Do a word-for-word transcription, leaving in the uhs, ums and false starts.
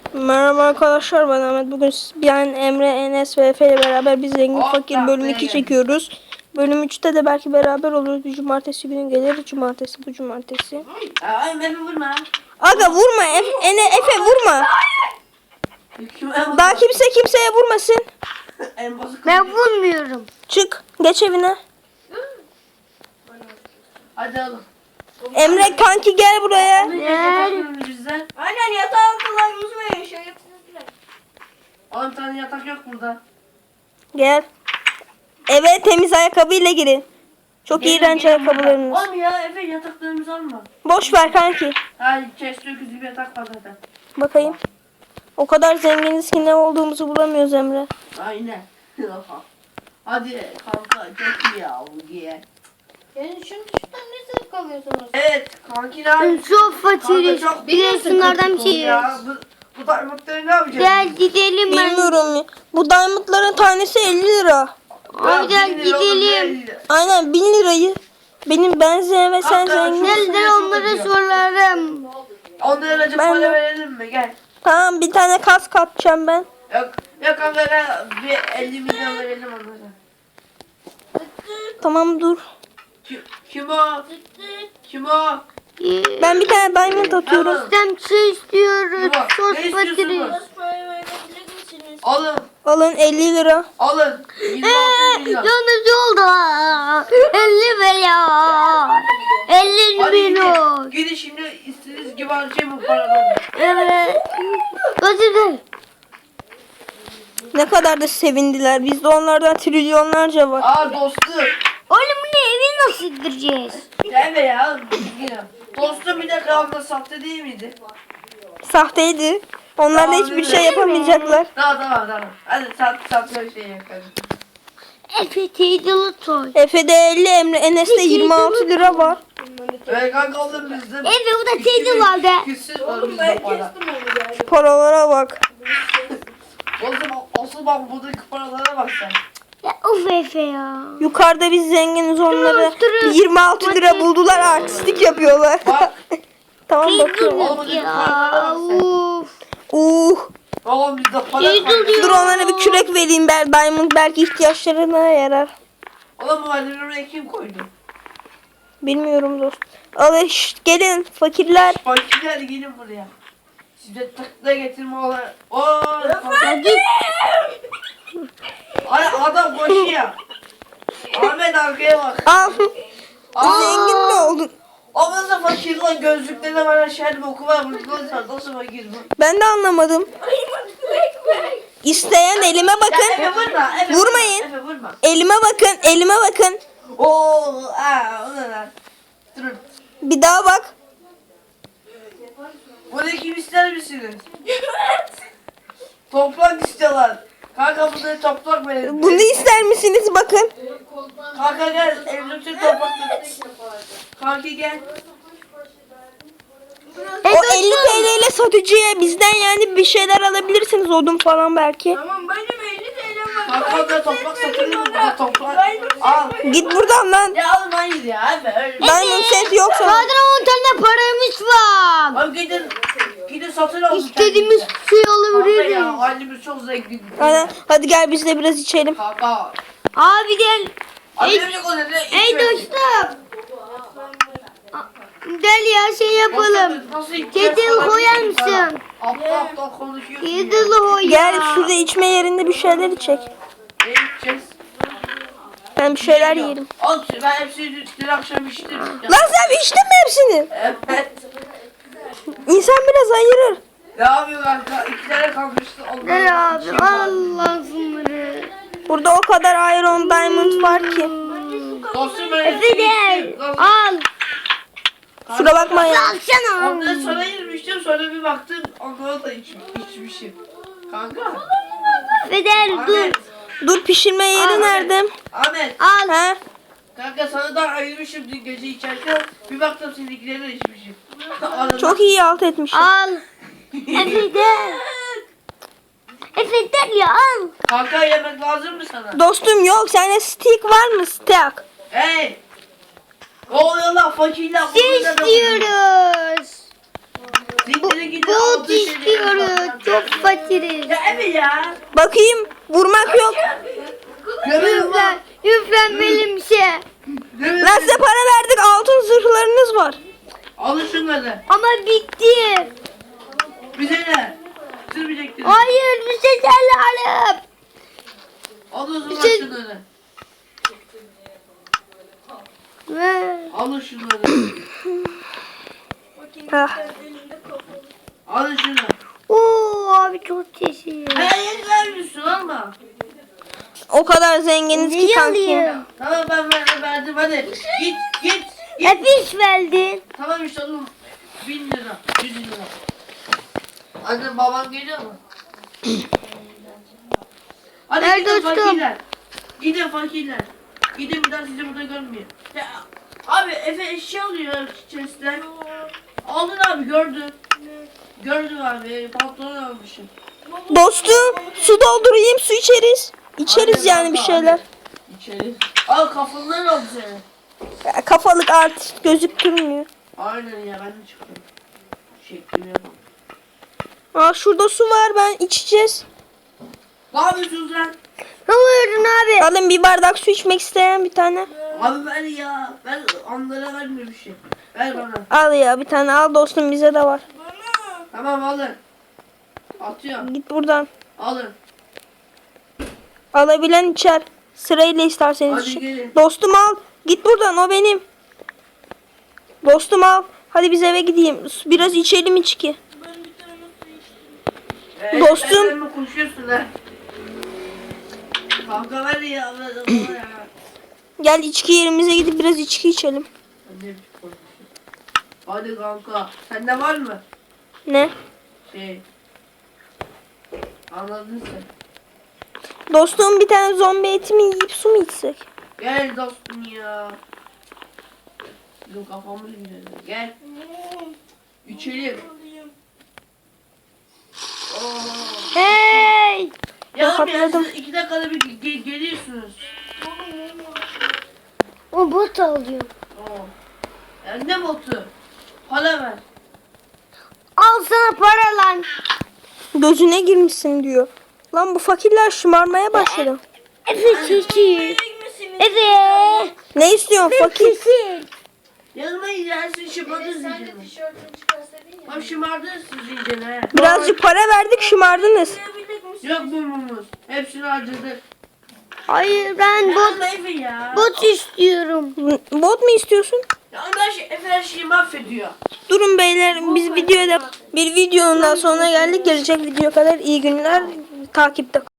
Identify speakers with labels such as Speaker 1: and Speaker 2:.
Speaker 1: Merhaba arkadaşlar, ben Ahmet. Bugün ben Emre, Enes ve Efe ile beraber biz Zengin
Speaker 2: Oh,
Speaker 1: Fakir bölüm iki çekiyoruz. Bölüm üçte de belki beraber oluruz. Bir cumartesi günü gelir. Cumartesi bu cumartesi.
Speaker 2: Ay beni vurma.
Speaker 1: Aga vurma Efe, Ene, Efe vurma. Daha kimse kimseye vurmasın.
Speaker 3: Ben vurmuyorum.
Speaker 1: Çık, geç evine.
Speaker 2: Hadi oğlum.
Speaker 1: Emre kanki gel buraya.
Speaker 2: Bizden.
Speaker 4: Aynen yatağı altılarımız mı yaşıyor?
Speaker 2: on tane yatak yok burada.
Speaker 1: Gel. Eve temiz ayakkabıyla girin. Çok
Speaker 2: Gelin,
Speaker 1: iğrenç
Speaker 2: gelin
Speaker 1: ayakkabılarınız.
Speaker 2: burada. Oğlum ya Efe yataklarımızı alma.
Speaker 1: Boş ver kanki.
Speaker 2: Hayır chest öküzü bir yatak var zaten.
Speaker 1: Bakayım. O kadar zenginiz ki ne olduğumuzu bulamıyoruz Emre.
Speaker 2: Aynen. Hadi kanka çok iyi ya bu giye.
Speaker 4: Yani şunun şundan ne zevk alıyorsunuz?
Speaker 2: Evet kanki ne
Speaker 3: Ben
Speaker 2: yapıyorsun?
Speaker 3: çok fakiriz.
Speaker 2: Kanka çok
Speaker 3: Bir de şunlardan bir şey
Speaker 2: Ya bu, bu diamondları ne yapacağız?
Speaker 3: Gel gidelim ben.
Speaker 1: Bilmiyorum ya. Bu diamondların tanesi elli lira.
Speaker 3: Abi gel gidelim.
Speaker 1: Aynen bin lirayı. Benim ben zengin ve sen
Speaker 2: Hatta
Speaker 1: zengin.
Speaker 2: şu-
Speaker 3: Gel de onlara sorarım.
Speaker 2: Onlara acı
Speaker 1: Ben
Speaker 2: para
Speaker 1: de-
Speaker 2: verelim mi? Gel.
Speaker 1: Tamam bir tane kask atacağım ben.
Speaker 2: Yok, yok kanka gel bir elli milyon verelim onlara.
Speaker 1: Tamam dur.
Speaker 2: Kim, kim o? Kim o?
Speaker 3: Ee,
Speaker 1: Ben bir tane diamond atıyorum.
Speaker 3: Bizden bir şey istiyoruz.
Speaker 2: Bak,
Speaker 3: Çok
Speaker 2: ne istiyorsunuz?
Speaker 3: fakiriz.
Speaker 4: Biraz parayı verebilir misiniz?
Speaker 2: Alın,
Speaker 1: Alın elli lira.
Speaker 2: alın. yirmi
Speaker 3: Eee
Speaker 2: altı milyon.
Speaker 3: yalnız oldu. elli milyon. elli
Speaker 2: Hadi
Speaker 3: milyon.
Speaker 2: gidin, gidin şimdi istediğiniz gibi harcayın bu paraları.
Speaker 3: Evet. Hadi gel.
Speaker 1: Ne kadar da sevindiler. Bizde onlardan trilyonlarca var.
Speaker 2: Aa dostum.
Speaker 3: Oğlum bu ne evi nasıl gireceğiz?
Speaker 2: Gelme ya. Yine. Dostum bir de kavga sahte değil miydi?
Speaker 1: Sahteydi. Onlar da hiçbir şey yapamayacaklar.
Speaker 2: Tamam tamam tamam. Hadi sat sat bir şey yakalım.
Speaker 3: Efe teyzeli toy.
Speaker 1: Efe'de elli, Emre Enes'te yirmi altı lira var.
Speaker 2: Evet kanka oğlum bizde.
Speaker 3: Efe bu da teyze vardı.
Speaker 2: Küsür var
Speaker 4: Ben
Speaker 2: bizde para.
Speaker 4: kestim onu yani.
Speaker 1: Şu paralara bak.
Speaker 2: Oğlum olsun bak buradaki paralara bak sen.
Speaker 3: Ya of Efe ya.
Speaker 1: Yukarıda biz zenginiz, onları
Speaker 3: Durun.
Speaker 1: yirmi altı lira buldular, artistlik yapıyorlar.
Speaker 2: Bak.
Speaker 1: Tamam bakıyorum.
Speaker 2: Oğlum buradaki paralara
Speaker 3: Ya
Speaker 2: bak sen.
Speaker 3: uf.
Speaker 1: Uh.
Speaker 2: Oğlum bizde para
Speaker 3: İyi
Speaker 2: kalmadı.
Speaker 3: duruyor.
Speaker 1: Dur onlara bir kürek vereyim, ben diamond belki ihtiyaçlarına yarar.
Speaker 2: Oğlum bu valleri oraya kim koydu?
Speaker 1: Bilmiyorum dost. Alın şşt, gelin fakirler.
Speaker 2: Fakirler gelin buraya. Size tıkla getirme olan. Ooo.
Speaker 3: Hadi.
Speaker 2: Ay adam koşuyor. Ahmet arkaya bak.
Speaker 1: Al.
Speaker 2: Aa.
Speaker 1: Zengin mi oldun?
Speaker 2: O nasıl fakir lan, gözlüklerine var aşağıda oku var. Nasıl, nasıl fakir bu?
Speaker 1: Ben de anlamadım. İsteyen elime
Speaker 2: Ya Efe
Speaker 1: bakın.
Speaker 2: vurma. Efe
Speaker 1: Vurmayın.
Speaker 2: Vurma, Efe vurma.
Speaker 1: Elime bakın, elime bakın.
Speaker 2: Oo, aa, o ne lan? Durun.
Speaker 1: Bir daha bak.
Speaker 2: Bunu kim ister misiniz? Toprak istiyorlar. Kanka bunları toprak verin.
Speaker 1: Bunu ister misiniz? Bakın.
Speaker 2: Kanka gel, evlilikçi toprak verin. Kanka gel.
Speaker 1: O elli TL ile satıcıya bizden yani bir şeyler alabilirsiniz, odun falan belki.
Speaker 4: Tamam benim elli T L'm var.
Speaker 2: Kanka da toprak satılır mı? Burada toprak. Al.
Speaker 1: Git buradan lan.
Speaker 2: Ya alın hayır ya abi öyle.
Speaker 1: Diamond set yoksa.
Speaker 3: Zaten on tane paramız var.
Speaker 2: Abi gidin. Gidin satın alın.
Speaker 3: İstediğimiz şey
Speaker 2: Kanka
Speaker 3: alabiliriz.
Speaker 2: ya halimiz çok zengin.
Speaker 1: Aynen. Hadi gel biz de biraz içelim.
Speaker 2: Kanka.
Speaker 3: Abi gel.
Speaker 2: Abi
Speaker 3: Ey-
Speaker 2: ne o dedi?
Speaker 3: Ey dostum. Gel ya şey yapalım. Kedil koyar mısın?
Speaker 2: Aptal aptal konuşuyorsun ya.
Speaker 3: Kedil koy ya.
Speaker 1: Gel şurada içme yerinde bir şeyler içek.
Speaker 2: Ne içeceğiz?
Speaker 1: Ben bir şeyler yiyelim.
Speaker 2: Al ben hepsini dün akşam içtim.
Speaker 1: Lan sen içtin mi hepsini?
Speaker 2: Evet.
Speaker 1: İnsan biraz ayırır.
Speaker 2: Ne yapıyor kanka? İki tane kalmıştı.
Speaker 3: Gel abi Allah bunları.
Speaker 1: Burada o kadar iron diamond var ki.
Speaker 2: Dostum ben
Speaker 3: Efe
Speaker 2: hepsini
Speaker 3: gel.
Speaker 2: içtim.
Speaker 3: Al.
Speaker 1: Kusura bakma ya.
Speaker 3: Alsana.
Speaker 2: Ondan sonra yemiştim, sonra bir baktım onları da iç, içmişim. Kanka.
Speaker 3: Feder dur.
Speaker 2: Ahmet.
Speaker 1: Dur, pişirme yeri
Speaker 2: Ahmet.
Speaker 1: nerede?
Speaker 2: Ahmet.
Speaker 3: Al.
Speaker 1: He?
Speaker 2: Kanka sana da ayırmışım dün gece içerken. Bir baktım seninkileri de içmişim. Arada-
Speaker 1: Çok iyi alt etmiş.
Speaker 3: Al. Efe gel. Efe gel ya al.
Speaker 2: Kanka yemek lazım mı sana?
Speaker 1: Dostum yok, sende stick var mı? Stick.
Speaker 2: Hey! Ne oluyor lan fakirler?
Speaker 3: Ne istiyoruz?
Speaker 2: Zindiri gidin
Speaker 3: Gold
Speaker 2: altı şeyleri
Speaker 3: istiyoruz.
Speaker 2: bakın.
Speaker 3: çok fakiriz.
Speaker 2: Ya Efe ya.
Speaker 1: Bakayım. Vurmak yok.
Speaker 2: Gömerim lan.
Speaker 3: Lütfen, lütfen benim şey.
Speaker 2: Gömerim.
Speaker 1: Lan size para verdik. Altın zırhlarınız var.
Speaker 2: Alın şunları.
Speaker 3: Ama bitti.
Speaker 2: Bize ne? Bitirmeyecektiniz.
Speaker 3: Hayır bir şey alıp.
Speaker 2: Alın o zaman
Speaker 3: Bir şey-
Speaker 2: şunları.
Speaker 3: Ver.
Speaker 2: Alın şunları.
Speaker 1: Ah.
Speaker 2: Alın şunu.
Speaker 3: Oo abi çok teşekkür.
Speaker 2: Hayır vermiyorsun alma.
Speaker 1: O kadar zenginiz ki
Speaker 3: Neyi
Speaker 1: kankim.
Speaker 3: alayım?
Speaker 2: Tamam ben ver, verdim hadi. Git git. git.
Speaker 3: Hep iş verdin.
Speaker 2: Tamam işte oğlum. Bin lira. Yüz lira. Annem baban geliyor mu? Hadi
Speaker 3: Ver
Speaker 2: gidin
Speaker 3: dostum.
Speaker 2: fakirler. Gidin fakirler. Gidin bir daha sizi burada görmüyor. Ya, abi Efe eşya alıyor chest'ten. Aldın abi gördün. Gördüm abi pantolon almışım.
Speaker 1: Dostum su doldurayım su içeriz. İçeriz
Speaker 2: Aynen
Speaker 1: yani bir
Speaker 2: kanka,
Speaker 1: şeyler.
Speaker 2: hadi. İçeri. Al kafandan oldu senin.
Speaker 1: Ya, kafalık artist gözüktürmüyor.
Speaker 2: Aynen ya ben de çıktım. Şeklimi yapalım.
Speaker 1: Aa şurada su var ben içeceğiz.
Speaker 2: Ne yapıyorsunuz lan?
Speaker 3: Ne oluyorsun abi?
Speaker 1: Alın bir bardak su içmek isteyen bir tane.
Speaker 2: Abi ver ya. Ben onlara vermiyorum bir şey. Ver bana.
Speaker 1: Al ya bir tane al dostum bize de var.
Speaker 2: Tamam alın. Atıyorum.
Speaker 1: Git buradan.
Speaker 2: Alın.
Speaker 1: Alabilen içer. Sırayla isterseniz
Speaker 2: Hadi
Speaker 1: için.
Speaker 2: gelin.
Speaker 1: Dostum al. Git buradan o benim. Dostum al. Hadi biz eve gideyim. Biraz içelim içki.
Speaker 2: Ee,
Speaker 1: Dostum.
Speaker 2: sen mi konuşuyorsun lan? Kanka ver ya. Ver, ver ya.
Speaker 1: Gel içki yerimize gidip biraz içki içelim.
Speaker 2: Sen ne biçim konuşuyorsun? Hadi kanka. Sende var mı?
Speaker 1: Ne?
Speaker 2: Şey. Anladın sen.
Speaker 1: Dostum bir tane zombi eti mi yiyip su mu içsek?
Speaker 2: Gel dostum ya. Bizim kafamız güzel. Gel. İçelim. Oo.
Speaker 3: Hey.
Speaker 2: Ya oğlum ya
Speaker 1: Rahatladım.
Speaker 2: siz iki dakikada bir ge- geliyorsunuz.
Speaker 3: O bot alıyor.
Speaker 2: Oo. Ya ne botu? Para ver.
Speaker 3: Al sana para lan.
Speaker 1: Gözüne girmişsin diyor. Lan bu fakirler şımarmaya başladı.
Speaker 3: Efe çekil. Efe.
Speaker 1: Ne istiyorsun fakir?
Speaker 3: Çekil.
Speaker 2: Yanıma gidersin şımardırsın
Speaker 4: Sen de
Speaker 2: canım.
Speaker 4: tişörtünü çıkarsaydın ya.
Speaker 2: Bak şımardırsın iyice he.
Speaker 1: Birazcık para verdik şımardınız.
Speaker 2: Yok mumumuz. Hepsini harcadık.
Speaker 3: Hayır ben bot
Speaker 2: Bot Efe ya.
Speaker 3: bot istiyorum.
Speaker 1: Bot mu istiyorsun?
Speaker 2: Ya onlar şey, Efe her şeyi mahvediyor.
Speaker 1: Durun beyler biz videoda bir videonun daha sonuna geldik. Gelecek video kadar iyi günler takipte.